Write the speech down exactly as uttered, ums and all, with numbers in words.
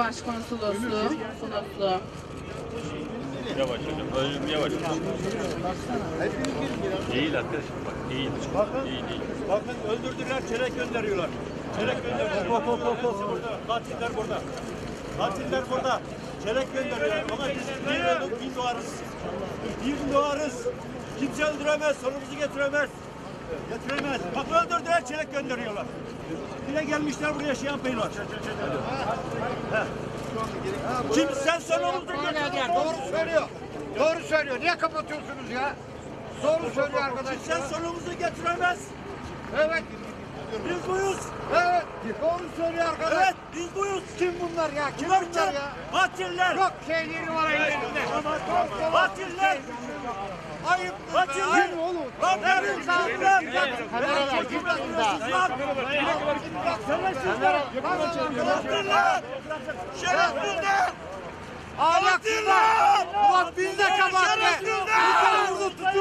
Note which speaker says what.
Speaker 1: Başkonsolosluğu, Konutlu.
Speaker 2: Yavaş hocam, ölüm yavaş. Değil arkadaşım bak, değil.
Speaker 3: Bakın,
Speaker 2: değil, değil.
Speaker 3: bakın öldürdüler, çelek gönderiyorlar. Çelek gönderiyorlar. Hop hop hop hop. Burada. Katiller burada. Katiller burada. Çelek gönderiyorlar. Ama biz bir öldük, bin doğarız. Bir doğarız. Kimse öldüremez, sonumuzu getiremez. Getiremez. Bak öldürdüler, çelek gönderiyorlar. Bir de gelmişler buraya şey yapıyorlar. Kimse sonumuzu getiremez.
Speaker 4: Doğru söylüyor. Doğru söylüyor. Niye kapatıyorsunuz ya? Doğru söylüyor arkadaş.
Speaker 3: Kimse sonumuzu getiremez.
Speaker 4: Evet.
Speaker 3: Biz buyuz.
Speaker 4: Evet. Doğru söylüyor arkadaş.
Speaker 3: Evet, biz buyuz.
Speaker 4: Kim bunlar ya? Kim
Speaker 3: Bunlar
Speaker 4: bunlar
Speaker 3: kim?
Speaker 4: ya?
Speaker 3: Katiller.
Speaker 4: Yok şeyleri var ellerinde.
Speaker 3: Katiller.
Speaker 4: Ayıp.
Speaker 3: Katiller.
Speaker 4: Kim oğlum?
Speaker 3: Lan benim kimler?
Speaker 4: Kamera
Speaker 3: Şerefsizler. Katiller. Şerefsizler.
Speaker 4: Ahlaksızlar. Ulan biz de kabahat be.
Speaker 3: Şerefsizler.
Speaker 4: Burada tutuyor.